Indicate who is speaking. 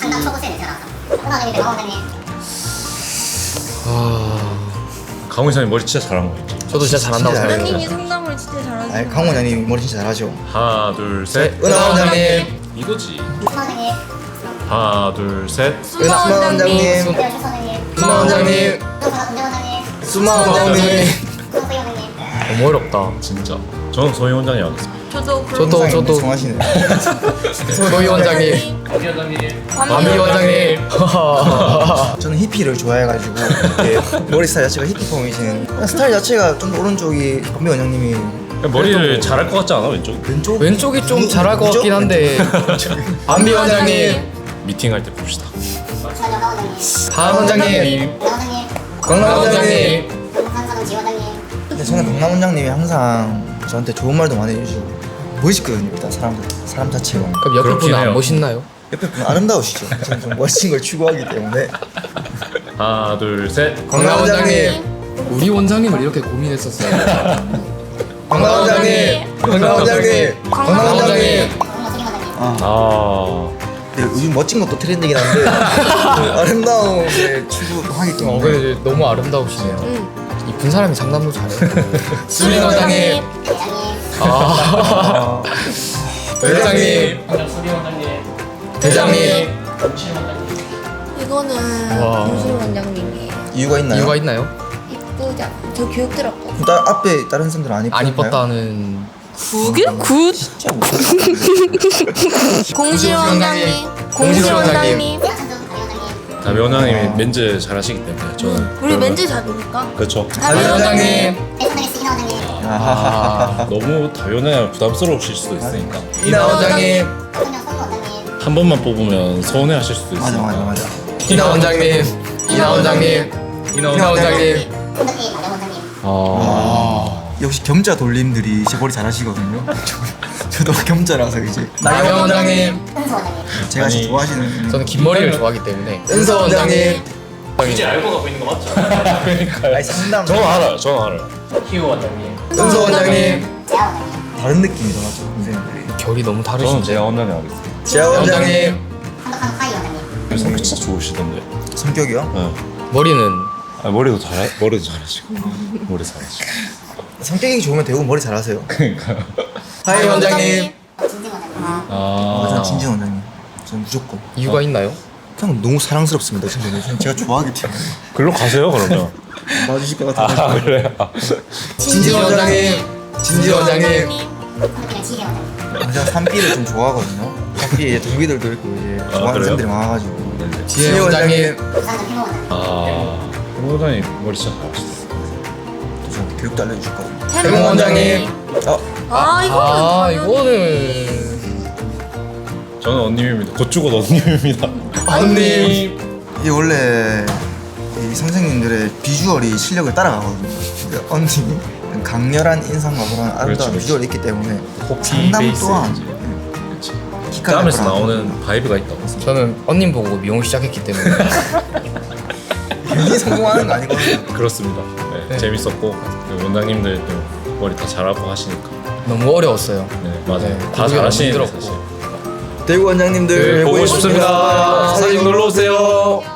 Speaker 1: 상담 초보세요 제가. 은하원장님, 강원장님.
Speaker 2: 강훈 이사님 머리 진짜 잘한 거 있죠?
Speaker 3: 저도 진짜 잘한다고
Speaker 4: 원장님이
Speaker 3: 생각해요.
Speaker 4: 상담을 진짜 잘하시는
Speaker 5: 아니 강원 원장님 머리 진짜 잘하죠.
Speaker 2: 하나 둘 셋.
Speaker 3: 은하 원장님,
Speaker 2: 이거지.
Speaker 1: 수마원장님,
Speaker 2: 하나 둘 셋.
Speaker 4: 수마
Speaker 5: 원장님.
Speaker 4: 원장님.
Speaker 1: 대현 출소원장님,
Speaker 3: 은하 원장님,
Speaker 1: 운전원장님,
Speaker 5: 수마 원장님.
Speaker 1: 소희 원장님.
Speaker 3: 너무 어렵다.
Speaker 2: 진짜. 저는 소희 원장님 하겠습니다.
Speaker 3: 저도
Speaker 5: 성하시네.
Speaker 3: 소희 원장님, 밤이 원장님.
Speaker 5: 저는 히피를 좋아해가지고 이렇게 머리 스타일 자체가 히피 폼이신 그냥 스타일 자체가 좀 더 오른쪽이 건배 원장님이
Speaker 2: 머리를 잘할 것 같지 않아 왼쪽?
Speaker 5: 왼쪽
Speaker 3: 왼쪽이 좀 잘할 것 같긴 한데. 밤이 원장님,
Speaker 2: 미팅할 때 봅시다.
Speaker 1: 주한영 강원장님,
Speaker 3: 밤 원장님,
Speaker 1: 강원장님,
Speaker 3: 강남 원장님.
Speaker 1: 강산사동 지원장님.
Speaker 5: 근데 저는 강남 원장님이 항상 저한테 좋은 말도 많이 해주시고 멋있거든요. 일단 사람 자체가
Speaker 3: 그럼 옆에
Speaker 2: 그렇긴
Speaker 3: 분은 안
Speaker 2: 해요.
Speaker 3: 멋있나요?
Speaker 5: 옆에 분 아름다우시죠. 저는 좀 멋진 걸 추구하기 때문에
Speaker 2: 하나 둘 셋.
Speaker 3: 강남 원장님. 우리 원장님을 이렇게 고민했었어요.
Speaker 5: 강남 원장님, 강남 원장님,
Speaker 3: 강남 원장님.
Speaker 1: 공무소리 원장님.
Speaker 2: 아
Speaker 5: 네, 요즘 멋진 것도 트렌드긴 한데 그 아름다움에 추구하기 때문에
Speaker 3: 그래 너무 아름다우시네요. 이쁜 사람이 상담도 잘해요. 수민 원장님,
Speaker 1: 대장님,
Speaker 3: 아, 회장님, 대장님.
Speaker 4: 이거는
Speaker 3: 와.
Speaker 4: 공실 원장님이에요.
Speaker 5: 이유가 있나요?
Speaker 3: 이유가 있나요?
Speaker 4: 이쁘잖아. 저 교육 들었거든요.
Speaker 5: 앞에 다른 사람들 안
Speaker 3: 안
Speaker 5: 이쁜가요?
Speaker 3: 이뻤다는.
Speaker 4: 그게 굿.
Speaker 5: 진짜 뭐
Speaker 4: 공실 원장님. 공실 원장님.
Speaker 1: 대학천중 강의 원장님.
Speaker 2: 다미 원장님이 멘즈 잘하시기 때문에 저는.
Speaker 4: 우리 멘즈 잘하니까.
Speaker 2: 그렇죠.
Speaker 3: 다미 원장님.
Speaker 1: 대천장의 시기나 원장님.
Speaker 3: 아,
Speaker 2: 너무 다미 원장님 부담스러우실 수도 있으니까
Speaker 3: 이나 원장님,
Speaker 1: 박근영 선우 원장님.
Speaker 2: 한 번만 뽑으면 서운해하실 수도
Speaker 5: 맞아
Speaker 2: 있으니까.
Speaker 5: 맞아 맞아.
Speaker 3: 이나 원장님, 이나 원장님, 이나 원장님.
Speaker 1: 손덕희 박영 원장님.
Speaker 5: 역시 겸자 돌림들이 제 머리 잘하시거든요. 저도 겸자라서 이제
Speaker 3: 나경 원장님.
Speaker 1: 은서 원장님.
Speaker 5: 제가 진짜
Speaker 2: 아니,
Speaker 5: 좋아하시는
Speaker 3: 저는 긴 머리를 좋아하기 때문에. 은서 원장님.
Speaker 2: 이제 알고 가고 있는 거 맞죠?
Speaker 5: 아니 상담
Speaker 2: 저는 알아요. 저는 알아요.
Speaker 3: 은서 원장님.
Speaker 1: 재하 원장님.
Speaker 5: 다른 느낌이 나죠 선생님들이.
Speaker 3: 결이 너무
Speaker 2: 저는
Speaker 3: 다르신데.
Speaker 2: 제가 원장님 하겠습니다.
Speaker 5: 재하 원장님
Speaker 1: 한덕한 파이 원장님.
Speaker 2: 성격 진짜 좋으시던데.
Speaker 5: 성격이요?
Speaker 2: 네.
Speaker 3: 머리는
Speaker 2: 아, 머리도 잘하시고 머리 잘하시고.
Speaker 5: 성격이 좋으면 대부분 머리 잘하세요.
Speaker 3: 하이 원장님.
Speaker 1: 진진 원장님.
Speaker 5: 저는 진진 원장님. 저는 무조건.
Speaker 3: 이유가 있나요?
Speaker 5: 그냥 너무 사랑스럽습니다. 진짜 제가 좋아하기 때문에
Speaker 2: 글로 가세요 그러면.
Speaker 5: 봐주실 것 같아요.
Speaker 2: 아 그래요?
Speaker 3: 진지 원장님. 진지 원장님.
Speaker 1: 손덕희는 지혜 원장님.
Speaker 5: 제가 산비를 좀 좋아하거든요. 산비 이제 동기들도 있고 이제 좋아하는
Speaker 2: 그래요?
Speaker 5: 사람들이 많아가지고.
Speaker 3: 지혜 원장님.
Speaker 1: 부산전 필모 원장님.
Speaker 2: 아 원장님 머리 진짜 잘하시다.
Speaker 5: 저한테 교육도 알려주실 거거든요.
Speaker 3: 해몽 원장님.
Speaker 4: 아
Speaker 3: 이거는.
Speaker 2: 저는 언님입니다. 곧 죽어도 언님입니다.
Speaker 3: 언님.
Speaker 5: 이게 원래 이 선생님들의 비주얼이 실력을 따라가거든요. 근데 언니 강렬한 인상과 그런 아름다운
Speaker 2: 그렇지.
Speaker 5: 비주얼이 있기 때문에
Speaker 2: 코피
Speaker 5: 상담
Speaker 2: 베이스
Speaker 5: 또한
Speaker 2: 그렇지.
Speaker 5: 키칼
Speaker 2: 땀에서
Speaker 5: 래퍼라고.
Speaker 2: 나오는 바이브가 있다고.
Speaker 3: 저는 언님 보고 미용 시작했기 때문에.
Speaker 5: 괜히 성공하는 거 아니거든요.
Speaker 2: 그렇습니다. 네,
Speaker 3: 네.
Speaker 2: 재밌었고 그 원장님들도 머리 다 잘하고 하시니까.
Speaker 3: 너무 어려웠어요.
Speaker 2: 네 맞아요.
Speaker 3: 네,
Speaker 2: 다
Speaker 3: 그게
Speaker 2: 잘하시는
Speaker 3: 너무
Speaker 2: 사실.
Speaker 3: 힘들었고.
Speaker 5: 대구 원장님들
Speaker 2: 네, 보고 싶습니다. 사진 놀러 오세요.